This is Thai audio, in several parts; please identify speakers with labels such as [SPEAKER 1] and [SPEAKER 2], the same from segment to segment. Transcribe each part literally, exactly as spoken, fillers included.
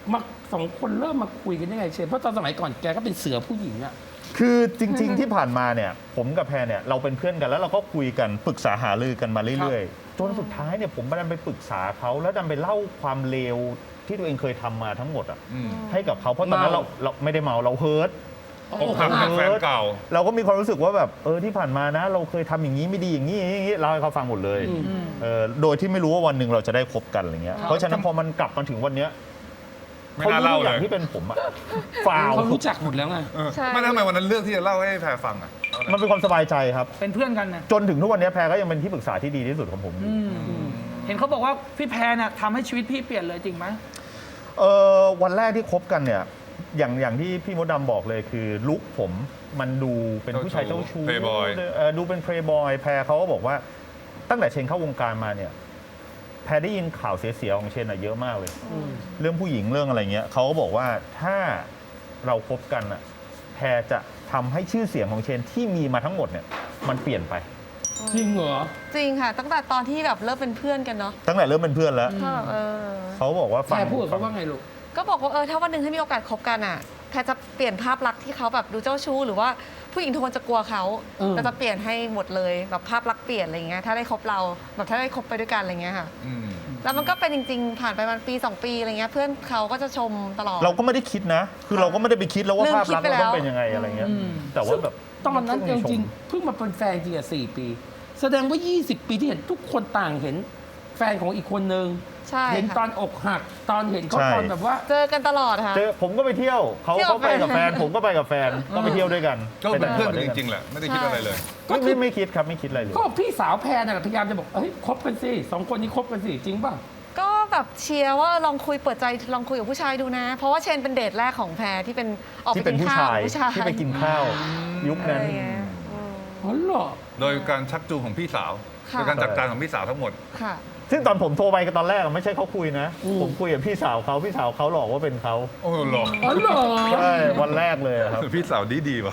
[SPEAKER 1] มาสองคนเริ่มมาคุยกันยังไงเชนเพราะตอนสมัยก่อนแกก็เป็นเสือผู้หญิงอะ
[SPEAKER 2] คือจริงๆที่ผ่านมาเนี่ยผมกับแพรเนี่ยเราเป็นเพื่อนกันแล้วเราก็คุยกันปรึกษาหารือกันมาเรื่อยๆจนสุดท้ายเนี่ยผมดันไปปรึกษาเขาแล้วดันไปเล่าความเลวที่ตัวเองเคยทำมาทั้งหมดอ่ะให้กับเขาเพราะตอนนั้นเราเราไม่ได้เมาเราเฮิร์ต
[SPEAKER 3] อกหักจากแฟนเก่า
[SPEAKER 2] เราก็มีความรู้สึกว่าแบบเออที่ผ่านมานะเราเคยทำอย่างนี้ไม่ดีอย่างนี้อย่างนี้เล่าให้เขาฟังหมดเลยเออโดยที่ไม่รู้ว่าวันหนึ่งเราจะได้คบกันอะไรเงี้ยเพราะฉะนั้นพอมันกลับมาถึงวันเนี้ย
[SPEAKER 3] ไม่น่าเล่าเลย
[SPEAKER 2] อย่างที่เป็นผมอะฟาว
[SPEAKER 1] เขารู้จักหมดแล้วไง
[SPEAKER 3] ไม่ทำไมวันนั้นเลือกที่จะเล่าให้แพรฟังอ่ะ
[SPEAKER 2] มันเป็นความสบายใจครับ
[SPEAKER 4] เป็นเพื่อนกันนะ
[SPEAKER 2] จนถึงทุกวันนี้แพรก็ยังเป็นที่ปรึกษาที่ดีที่สุดของผม
[SPEAKER 4] เห็นเขาบอกว่าพี่แพรเนี่ยทำให้ชีวิตพี่เปลี่ยนเลยจริงไหม
[SPEAKER 2] เออวันแรกที่คบกันเนี่ยอย่างอย่างที่พี่มดดำบอกเลยคือลุคผมมันดูเป็นผู้ชายเจ้าชู้ดูเป็นเพลย์บอยแพรเขาก็บอกว่าตั้งแต่เชนเข้าวงการมาเนี่ยแพรได้ยินข่าวเสียๆของเชนอะเยอะมากเลยเรื่องผู้หญิงเรื่องอะไรเงี้ยเขาก็บอกว่าถ้าเราคบกันอะแพรจะทำให้ชื่อเสียงของเชนที่มีมาทั้งหมดเนี่ยมันเปลี่ยนไป
[SPEAKER 1] จริงเหรอ
[SPEAKER 5] จริงค่ะตั้งแต่ตอนที่แบบเริ่มเป็นเพื่อนกันเนาะ
[SPEAKER 2] ตั้งแต่เริ่มเป็นเพื่อนแล้วเขาบอกว่า
[SPEAKER 1] แพรพูดเขาว่าไงลูก
[SPEAKER 5] ก็บอกว่าเออถ้าวันหนึ่งถ้ามีโอกาสคบกันอ่ะแพรจะเปลี่ยนภาพลักษณ์ที่เขาแบบดูเจ้าชู้หรือว่าผู้หญิงทุกคนจะกลัวเขาเราจะเปลี่ยนให้หมดเลยแบบภาพลักษณ์เปลี่ยนอะไรเงี้ยถ้าได้คบเราแบบถ้าได้คบไปด้วยกันอะไรเงี้ยค่ะแล้วมันก็เป็นจริงๆผ่านไปมันปีสองปีอะไรเงี้ยเพื่อนเขาก็จะชมตลอด
[SPEAKER 2] เราก็ไม่ได้คิดนะคือเราก็ไม่ได้ไปคิดแล้วว่าภาพลักษณ์เราต้องเป็นยังไงอะไรเงี้ยแต่ว่าแบบ
[SPEAKER 1] ตอนนั้นจริงๆเพิ่งมาเป็นแฟนจริงอ่ะสี่ปีแสดงว่ายี่สิบปีที่เห็นทุกคนต่างเห็นแฟนของอีกคนนึงเห็นตอนอกหักตอนเห็นเขาตอนแบบว่า
[SPEAKER 5] เจอกันตลอดค่ะ
[SPEAKER 2] เจอผมก็ไปเที่ยวเขาเขาไปกับแฟนผมก็ไปกับแฟนก็ไปเที่ยวด้วยกัน
[SPEAKER 3] ก็เป็นเพื่อนกันจริงๆแหละไม่ได้คิดอะไรเลย
[SPEAKER 2] ก็ไม่ไม่คิดครับไม่คิดอะไรเลย
[SPEAKER 1] ก็พี่สาวแพรน่ะพยายามจะบอกเฮ้ยคบกันสิสองคนนี้คบกันสิจริงป่ะ
[SPEAKER 5] ก็แบบเชียร์ว่าลองคุยเปิดใจลองคุยกับผู้ชายดูนะเพราะว่าเชนเป็นเดทแรกของแพรที่เป็นออกไปกินข้าว
[SPEAKER 2] ที่ไปกินข้าวยุคนั้น
[SPEAKER 1] อ๋อเหรอ
[SPEAKER 3] โดยการชักจูงของพี่สาวโดยการจัดการของพี่สาวทั้งหมด
[SPEAKER 5] ค่ะ
[SPEAKER 2] ซึ่งตอนผมโทรไปกันตอนแรกไม่ใช่เขาคุยนะผมคุยกับพี่สาวเขาพี่สาวเขาหลอกว่าเป็นเขา
[SPEAKER 3] โอ้หลอก
[SPEAKER 1] อ๋อเหรอ
[SPEAKER 2] ใช่วันแรกเลยครับ
[SPEAKER 3] พี่สาวดีดีว่ะ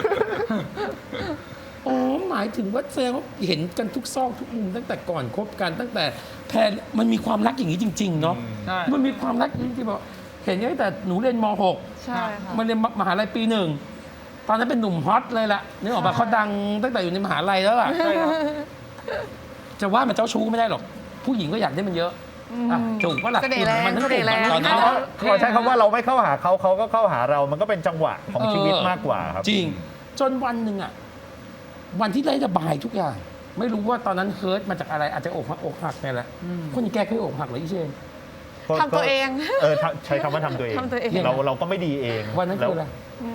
[SPEAKER 1] อ๋อหมายถึงว่าแสดงว่าเห็นกันทุกซอกทุกมุมตั้งแต่ก่อนคบกันตั้งแต่แพรมันมีความรักอย่างนี้จริงๆเนาะมันมีความรักจริงๆบอกเห็นตั้งแต่หนูเรียนม หก
[SPEAKER 5] ใช่ค่ะ
[SPEAKER 1] มันเรียนมหาลัยปีหนึ่งตอนนั้นเป็นหนุ่มฮอตเลยล่ะนึกออกป่ะเขาดังตั้งแต่อยู่ในมหาลัยแล้วล่ะจะว่ามันเจ้าชู้ไม่ได้หรอกผู้หญิงก็อยากได้มันเยอะจูบว่าหลัก
[SPEAKER 5] มันทั้งจูบตอนนั้น
[SPEAKER 2] ขอใช้คำว่าเราไม่เข้าหาเขาเขาก็เข้าหาเรามันก็เป็นจังหวะของชีวิตมากกว่าครับ
[SPEAKER 1] จริงจนวันหนึ่งอ่ะวันที่ได้ระบายทุกอย่างไม่รู้ว่าตอนนั้นเฮิร์ตมาจากอะไรอาจจะอกหักอกหักนี่แหละคนแกเคยอกหักหรืออีเชน
[SPEAKER 5] ทำตัวเอง
[SPEAKER 2] เออใช้คำว่าทำตัวเองเราเราก็ไม่ดีเอง
[SPEAKER 1] วันนั้นคืออะไร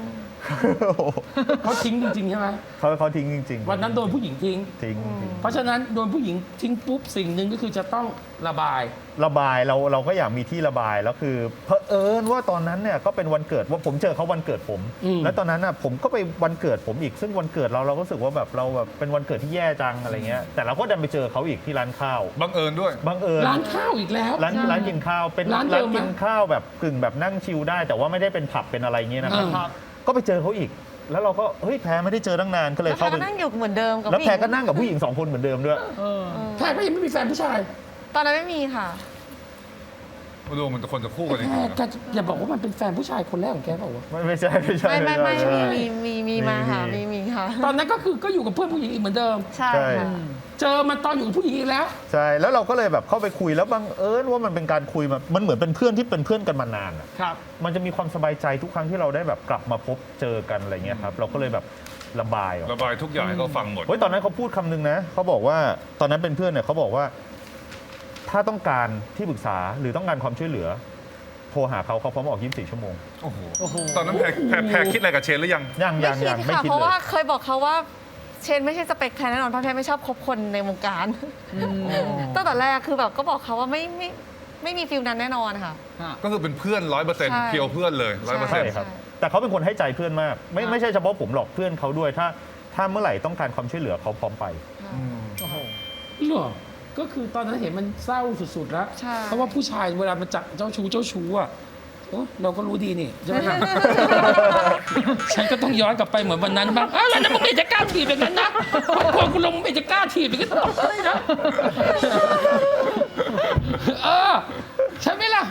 [SPEAKER 1] เขาทิ้งจริงๆใช่ไหม
[SPEAKER 2] เขาเขาทิ้งจริง
[SPEAKER 1] ๆวันนั้นโดนผู้หญิงทิ้ง
[SPEAKER 2] ทิ้ง
[SPEAKER 1] เพราะฉะนั้นโดนผู้หญิงทิ้งปุ๊บสิ่งหนึ่งก็คือจะต้องระบาย
[SPEAKER 2] ระบายเราเราก็อยากมีที่ระบายแล้วคือเผอิญว่าตอนนั้นเนี่ยก็เป็นวันเกิดว่าผมเจอเขาวันเกิดผมแล้วตอนนั้นน่ะผมก็ไปวันเกิดผมอีกซึ่งวันเกิดเราเราก็รู้สึกว่าแบบเราแบบเป็นวันเกิดที่แย่จังอะไรเงี้ยแต่เราก็ดันไปเจอเขาอีกที่ร้านข้าว
[SPEAKER 3] บังเอิญด้วย
[SPEAKER 2] บังเอิญ
[SPEAKER 1] ร้านข้าวอีกแล้ว
[SPEAKER 2] ร้านร้านกินข้าวเป็นร้านกินข้าวแบบกึ่งแบบนั่งชิลได้แต่ว่าไม่ได้เป็นผับเป็นอะไรเงี้ยนะครับก็ไปเจอเขาอีกแล้วเราก็เฮ้ยแพรไม่ได้เจอตั้งนานก็เลยเข้าไป
[SPEAKER 5] นั่งอยู่เหมือนเดิมกับ
[SPEAKER 2] แล้วแพรก็นั่งกับผู้หญิงสองคนเหมือนเดิมด้วย
[SPEAKER 1] แพรก็ยังไม่มีแฟนผู้ชาย
[SPEAKER 5] ตอนนั้นไม่มีค่ะ
[SPEAKER 3] มาดูมันจะคนจะคู่กันจริง
[SPEAKER 1] ๆแกอย่าบอกว่ามันเป็นแฟนผู้ชายคนแรกของแกเปล่าวะ
[SPEAKER 2] ไม่ไม่ใช่ไม่ใช่
[SPEAKER 5] ไม่ไม่ไม่มีมีมีมาค่ะมีมีค่ะ
[SPEAKER 1] ตอนนั้นก็คือก็อยู่กับเพื่อนผู้หญิงอีกเหมือนเดิม
[SPEAKER 5] ใช่ค่ะ
[SPEAKER 1] เจอมันตอนอยู่กับผู้หญิงอีกแล้ว
[SPEAKER 2] ใช่แล้วเราก็เลยแบบเข้าไปคุยแล้วบังเอิญว่ามันเป็นการคุยมันมันเหมือนเป็นเพื่อนที่เป็นเพื่อนกันมานาน
[SPEAKER 4] ครับ
[SPEAKER 2] มันจะมีความสบายใจทุกครั้งที่เราได้แบบกลับมาพบเจอกันอะไรเงี้ยครับเราก็เลยแบบระบาย
[SPEAKER 3] ระบายทุกอย่างให้เขาฟังหมด
[SPEAKER 2] เฮ้ยตอนนั้นเขาพูดคำนึงนะเขาบอกว่าตอนนั้นเป็นเพื่อนเนี่ยเขาบอกว่าถ้าต้องการที่ปรึกษาหรือต้องการความช่วยเหลือโทรหาเขาเขาพร้อมออกยี่สิบสี่ชั่วโมง
[SPEAKER 3] โอ้โหตอนนั้นแพรแพรคิดอะไรกับเชนหรือยัง
[SPEAKER 2] ยังยังยัง
[SPEAKER 5] ไม่คิดเลยเพราะว่าเคยบอกเขาว่าเชนไม่ใช่สเปคแพรแน่นอนเพราะแพรไม่ชอบคบคนในวงการตั้งแต่แรกคือแบบก็บอกเขาว่าไม่ไม่ไม่มีฟิลนั้นแน่นอนค่ะ
[SPEAKER 3] ก็คือเป็นเพื่อนร้อยเปอร์เซ็นต์เพียวเพื่อนเลยร้อยเปอร์เซ็นต์
[SPEAKER 2] ครับแต่เขาเป็นคนให้ใจเพื่อนมากไม่ไม่ใช่เฉพาะผมหรอกเพื่อนเขาด้วยถ้าถ้าเมื่อไหร่ต้องการความช่วยเหลือเขาพร้อมไป
[SPEAKER 1] โอ้โหเหรอก็คือตอนนั้นเห็นมันเศร้าสุดๆแล้วเพราะว่าผู้ชายเวลามันจับเจ้าชู้เจ้าชู้อ่ะเราก็รู้ดีนี่ใช่ไหมครับฉันก็ต้องย้อนกลับไปเหมือนวันนั้นบ้างอ้าวแล้วมึงไม่จะกล้าถีบอย่างนั้นนะครอบครัวกูลงไม่จะกล้าถีบอย่างนั้นตลอดเลยนะเออใช่ไหมล่ะ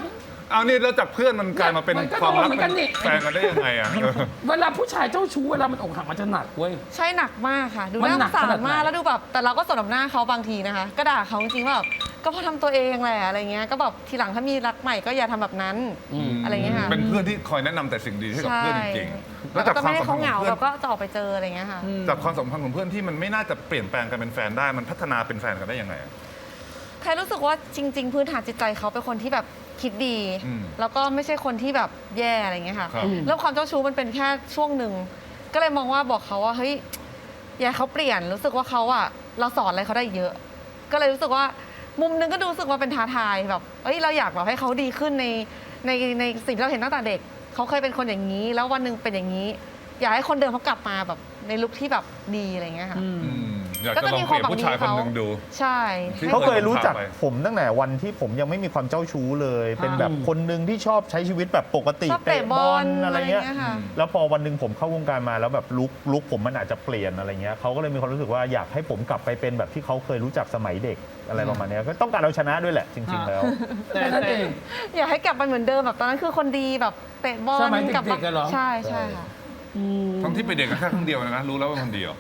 [SPEAKER 3] เอานี่แล้วจากเพื่อนมันกลายมาเป็น
[SPEAKER 1] มันก็
[SPEAKER 3] ความรัก
[SPEAKER 1] โดนเหมือนกั
[SPEAKER 3] เป็น น
[SPEAKER 1] นี่
[SPEAKER 3] แฟนกันได้ยังไงอ่ะเออ
[SPEAKER 1] เวลาผู้ชายเจ้าชู้เวลามันอกหักมันจะหนักเว้ย
[SPEAKER 5] ใช่หนักมากค่ะ ดู
[SPEAKER 1] มัน
[SPEAKER 5] น่า
[SPEAKER 1] ห
[SPEAKER 5] ส
[SPEAKER 1] นั
[SPEAKER 5] ง
[SPEAKER 1] ก
[SPEAKER 5] สา
[SPEAKER 1] ขนาด
[SPEAKER 5] ร
[SPEAKER 1] ไหน
[SPEAKER 5] มากแล้วดูแบบแต่เราก็สนมหน้าเขาบางทีนะคะ ก็ด่าเขาจริงๆว่าแบบก็เพราะทำตัวเองแหละอะไรเงี้ยก็แบบทีหลังถ้ามีรักใหม่ก็อย่าทำแบบนั้น
[SPEAKER 1] อืม
[SPEAKER 5] อะไรเงี้ยค่ะ
[SPEAKER 3] เป็นเพื่อนที่คอยแนะนำแต่สิ่งดีให้กับ
[SPEAKER 5] ใช่
[SPEAKER 3] เพื่อนจริงๆ
[SPEAKER 5] แล้ว
[SPEAKER 3] จาก
[SPEAKER 5] ก็
[SPEAKER 3] ควา
[SPEAKER 5] ไม่
[SPEAKER 3] ม
[SPEAKER 5] ให้
[SPEAKER 3] สัมพั
[SPEAKER 5] เขา
[SPEAKER 3] นธ์
[SPEAKER 5] เห
[SPEAKER 3] ข
[SPEAKER 5] งา
[SPEAKER 3] องเพื่อ
[SPEAKER 5] แบ
[SPEAKER 3] น
[SPEAKER 5] บก็จะออกไปเจออะไรเงี้ยค่ะ
[SPEAKER 3] จากความสัมพันธ์ของเพื่อนที่มันไม่น่าจะเปลี่ยนแปลงกันเป็นแฟนได้มันพัฒนาเป็นแฟนกันได้ยังไงอะ
[SPEAKER 5] แพรรู้สึกว่าจริง ๆ พื้นฐานจิตใจเขาเป็นคนที่แบบคิดดี
[SPEAKER 3] อืม
[SPEAKER 5] แล้วก็ไม่ใช่คนที่แบบแย่อะไรเงี้ยค่ะ
[SPEAKER 3] ครับ
[SPEAKER 5] แล้วความเจ้าชู้มันเป็นแค่ช่วงหนึ่งก็เลยมองว่าบอกเขาว่าเฮ้ยอย่าให้เขาเปลี่ยนรู้สึกว่าเขาอะเราสอนอะไรเขาได้เยอะ ก็เลยรู้สึกว่ามุมหนึงก็ดูรู้สึกว่าเป็นท้าทายแบบเอ้ยเราอยากแบบให้เขาดีขึ้นในในในสิ่งที่เราเห็นตั้งแต่เด็กเขาเคยเป็นคนอย่างนี้ แล้ววันหนึ่งเป็นอย่างนี้ อยากให้คนเดิมเขากลับมาแบบในลุคที่แบบดีอะไรเงี้ยค่ะ
[SPEAKER 3] อืมอยากจะลองเปลี่ยนผู้ชายคนหนึ่งดู
[SPEAKER 5] ใช่
[SPEAKER 3] ที่
[SPEAKER 2] เขาเคยรู้จัก
[SPEAKER 3] เคย
[SPEAKER 2] ผมตั้งแต่วันที่ผมยังไม่มีความเจ้าชู้เลย เป็นแบบคนหนึ่งที่ชอบใช้ชีวิตแบบปกติ
[SPEAKER 5] ชอบเตะบอล
[SPEAKER 2] อะไรเงี้ย
[SPEAKER 5] ค่ะ
[SPEAKER 2] แล้วพอวันหนึ่งผมเข้าวงการมาแล้วแบบลุกลุกผมมันอาจจะเปลี่ยนอะไรเงี้ยเขาก็เลยมีความรู้สึกว่าอยากให้ผมกลับไปเป็นแบบที่เขาเคยรู้จักสมัยเด็กอะไรประมาณเนี้ยก็ต้องการเอาชนะด้วยแหละจริง ๆ แล้ว
[SPEAKER 4] แต่
[SPEAKER 1] แค่นั้น
[SPEAKER 4] แต่
[SPEAKER 1] เอง
[SPEAKER 5] อยากให้กลับไปเหมือนเดิมแบบตอนนั้นคือคนดีแบบเตะบอล
[SPEAKER 1] สมัยเด็กๆ
[SPEAKER 5] กลับมา
[SPEAKER 1] อะเหรอ
[SPEAKER 5] ใช่ใช่ค่ะ
[SPEAKER 1] อืม
[SPEAKER 3] ทั้งที่ไปเด็กกันแค่ครั้งเดียวนะ รู้แล้วว่าคนเดียว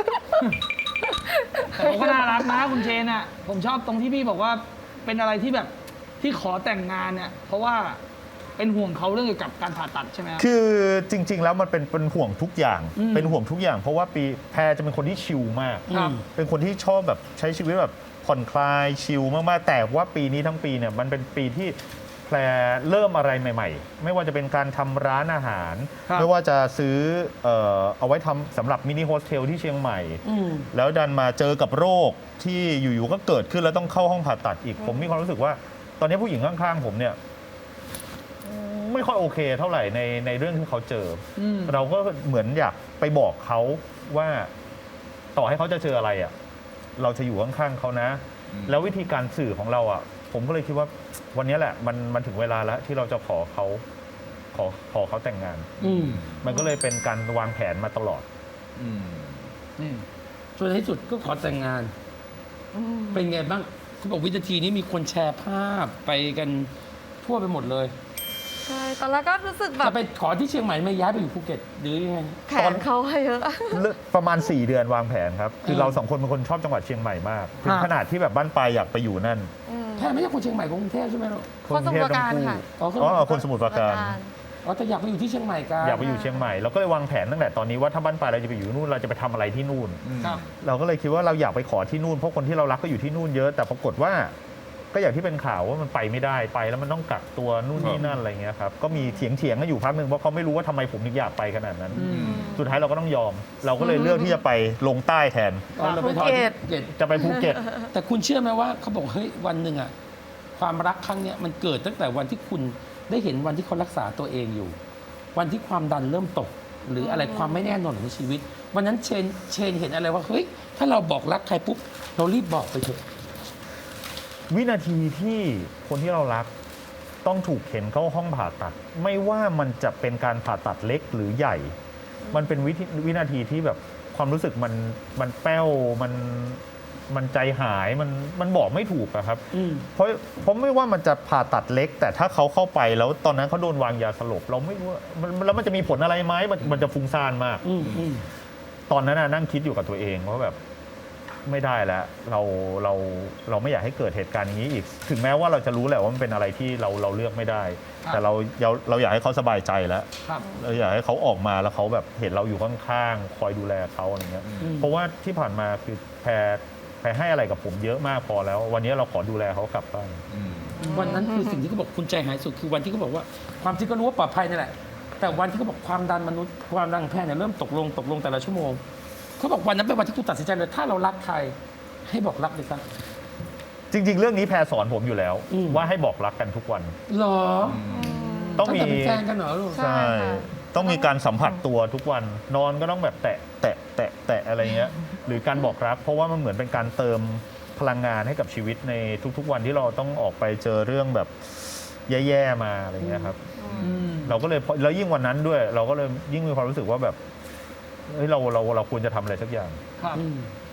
[SPEAKER 4] แต่เขาก็น่ารักนะคุณเชนอ่ะผมชอบตรงที่พี่บอกว่าเป็นอะไรที่แบบที่ขอแต่งงานเนี่ยเพราะว่าเป็นห่วงเขาเรื่องเกี่ยวกับการผ่าตัดใช่ไหมครับ
[SPEAKER 2] คือจริง ๆ แล้วมันเป็นเป็นห่วงทุกอย่าง
[SPEAKER 4] อืม
[SPEAKER 2] เป็นห่วงทุกอย่าง เพราะว่าปีแพรจะเป็นคนที่ชิลมาก
[SPEAKER 4] ครับ
[SPEAKER 2] เป็นคนที่ชอบแบบใช้ชีวิตแบบผ่อนคลายชิลมากๆแต่ว่าปีนี้ทั้งปีเนี่ยมันเป็นปีที่แพรเริ่มอะไรใหม่ ๆ ไม่ว่าจะเป็นการทำร้านอาหาร
[SPEAKER 4] ครับ
[SPEAKER 2] ไม่ว่าจะซื้อเอ่อเอาไว้ทำสำหรับมินิโฮสเทลที่เชียงใหม่
[SPEAKER 1] อืม
[SPEAKER 2] แล้วดันมาเจอกับโรคที่อยู่ๆก็เกิดขึ้นแล้วต้องเข้าห้องผ่าตัดอีก ผมมีความรู้สึกว่า ตอนนี้ผู้หญิงข้างๆผมเนี่ยไม่ค่อยโอเคเท่าไหร่ในในเรื่องที่เขาเจออ
[SPEAKER 4] ม
[SPEAKER 2] เราก็เหมือนอยากไปบอกเขาว่าต่อให้เขาจะเจออะไรอ่ะเราจะอยู่ข้างๆเขานะ
[SPEAKER 3] อืม
[SPEAKER 2] แล้ววิธีการสื่อของเราอ่ะ ผมก็เลยคิดว่าวันนี้แหละมันมันถึงเวลาแล้วที่เราจะขอเขาขอขอเขาแต่งงาน
[SPEAKER 1] อืม
[SPEAKER 2] มันก็เลยเป็นการวางแผนมาตลอด
[SPEAKER 3] อืม
[SPEAKER 4] นี่
[SPEAKER 1] จนในที่สุดก็ขอแต่งงาน เป็นไงบ้างเขาบอกวินาทีนี้มีคนแชร์ภาพไปกันทั่วไปหมดเลย
[SPEAKER 5] ใช่ตอนแรกก็รู้สึกแบ
[SPEAKER 1] จะ
[SPEAKER 5] บ
[SPEAKER 1] ไปขอที่เชียงใหม่ไม่ย้ายไปอยู่ภูเก็ตหรือยังไง
[SPEAKER 5] แผนเขาเยอะ
[SPEAKER 2] ประมาณ สี่ เดือนวางแผนครับ คือ
[SPEAKER 1] อืม
[SPEAKER 2] เราสองคนเป็นคนชอบจังหวัดเชียงใหม่มาก ถึง
[SPEAKER 4] ฮะ
[SPEAKER 2] ขนาดที่แบบบ้านปลายอยากไปอยู่นั่น
[SPEAKER 5] อืม
[SPEAKER 1] แพทย์ไม่ใช่คนเชียงใหม่คนกรุงเทพใช่ไหมลูก
[SPEAKER 5] คนสมุทรปราการค่ะ
[SPEAKER 1] อ๋อ
[SPEAKER 2] อ๋อคนสมุทรปราการ
[SPEAKER 1] อ๋อแต่อยากไปอยู่ที่เชียงใหม่กัน
[SPEAKER 2] อยากไปอยู่เชียงใหม่เราก็เลยวางแผนตั้งแต่ตอนนี้ว่าถ้าบ้านปลายเราจะไปอยู่นู่นเราจะไปทำอะไรที่นู่น
[SPEAKER 4] ครับ
[SPEAKER 2] เราก็เลยคิดว่าเราอยากไปขอที่นู่นเพราะคนที่เรารักก็อยู่ที่นู่นเยอะ แต่ปรากฏว่า ก็อย่างที่เป็นข่าวว่ามันไปไม่ได้ไปแล้วมันต้องกักตัวนู่นนี่นั่นอะไรเงี้ยครับก็มีเถียงเถียงๆกันอยู่พักหนึ่งเพราะเขาไม่รู้ว่าทำไมผมถึงอยากไปขนาดนั้น
[SPEAKER 4] อืม
[SPEAKER 2] สุดท้ายเราก็ต้องยอม เราก็เลยเลือกที่จะไปลงใต้แทน
[SPEAKER 1] อ๋อเราไปขอที่ภูเก็ต
[SPEAKER 2] จะไปภูเก็ต
[SPEAKER 1] แต่คุณเชื่อไหมว่าเขาบอกเฮ้ยวันหนึ่งอะความรักครั้งเนี้ยมันเกิดตั้งแต่วันที่คุณได้เห็นวันที่เขารักษาตัวเองอยู่ วันที่ความดันเริ่มตก หรืออะไรความไม่แน่นอนของชีวิต วันนั้นเชนเชนเห็นอะไรว่าเฮ้ยถ้าเราบอกรักใครปุ๊บเรารีบบอกไปเถอะ
[SPEAKER 2] วินาทีที่คนที่เรารักต้องถูกเข็นเข้าห้องผ่าตัด ไม่ว่ามันจะเป็นการผ่าตัดเล็กหรือใหญ่ มันเป็นวิธีวินาทีที่แบบความรู้สึกมันมันแป้วมันมันใจหายมันมันบอกไม่ถูกอะครับ
[SPEAKER 1] อืม
[SPEAKER 2] เพราะเพราะไม่ว่ามันจะผ่าตัดเล็ก แต่ถ้าเขาเข้าไปแล้วตอนนั้นเขาโดนวางยาสลบ เราไม่รู้ว่ามันแล้วมันจะมีผลอะไรไหมมันมันจะฟุ้งซ่านมาก
[SPEAKER 1] อืมอืม
[SPEAKER 2] ตอนนั้นน่ะนั่งคิดอยู่กับตัวเองว่าแบบไม่ได้แล้วเราเราเราไม่อยากให้เกิดเหตุการณ์อย่างนี้อีก ถึงแม้ว่าเราจะรู้แหละว่ามันเป็นอะไรที่เราเราเลือกไม่ได้
[SPEAKER 4] ครับ
[SPEAKER 2] แต่เราเราเราอยากให้เขาสบายใจแล้ว
[SPEAKER 4] ครับ
[SPEAKER 2] เราอยากให้เขาออกมาแล้วเขาแบบเห็นเราอยู่ข้างๆคอยดูแลเขาอะไรเงี้ย
[SPEAKER 1] อืม
[SPEAKER 2] เพราะว่าที่ผ่านมาคือแพรแพรให้อะไรกับผมเยอะมากพอแล้ว วันนี้เราขอดูแลเขากลับบ้าน
[SPEAKER 3] อืม
[SPEAKER 1] วันนั้นคือสิ่งที่เขาบอกคุณใจหายสุดคือวันที่เขาบอกว่าความจริงก็รู้ว่าปลอดภัยนั่นแหละ แต่วันที่เขาบอกความดันมนุษย์ความดันของแพทย์เนี่ยเริ่มตกลงตกลงแต่ละชั่วโมงเขาบอกวันนั้นเป็นวันที่คุณตัดสินใจเลยถ้าเรารักใครให้บอกรักเลยครับ
[SPEAKER 2] จริง ๆ เรื่องนี้แพรสอนผมอยู่แล้ว
[SPEAKER 1] อืม
[SPEAKER 2] ว่าให้บอกรักกันทุกวัน
[SPEAKER 1] หรอ
[SPEAKER 2] ต้องมี
[SPEAKER 1] ตั้แต่เป็นแฟนกันเหรอลูก
[SPEAKER 5] ใช่
[SPEAKER 2] ต้องมีการสัมผัสตัวทุกวัน นอนก็ต้องแบบแตะแตะแตะแตะอะไรเงี้ย หรือการบอกรัก เพราะว่ามันเหมือนเป็นการเติมพลังงานให้กับชีวิตในทุกๆวันที่เราต้องออกไปเจอเรื่องแบบแย่ๆมาอะไรเงี้ยครับ
[SPEAKER 4] อืม
[SPEAKER 2] เราก็เลยพอแล้วยิ่งวันนั้นด้วย เราก็เลยยิ่งมีความรู้สึกว่าแบบเฮ้ยเราเราเราควรจะทำอะไรสักอย่าง
[SPEAKER 4] ครับ
[SPEAKER 1] อืม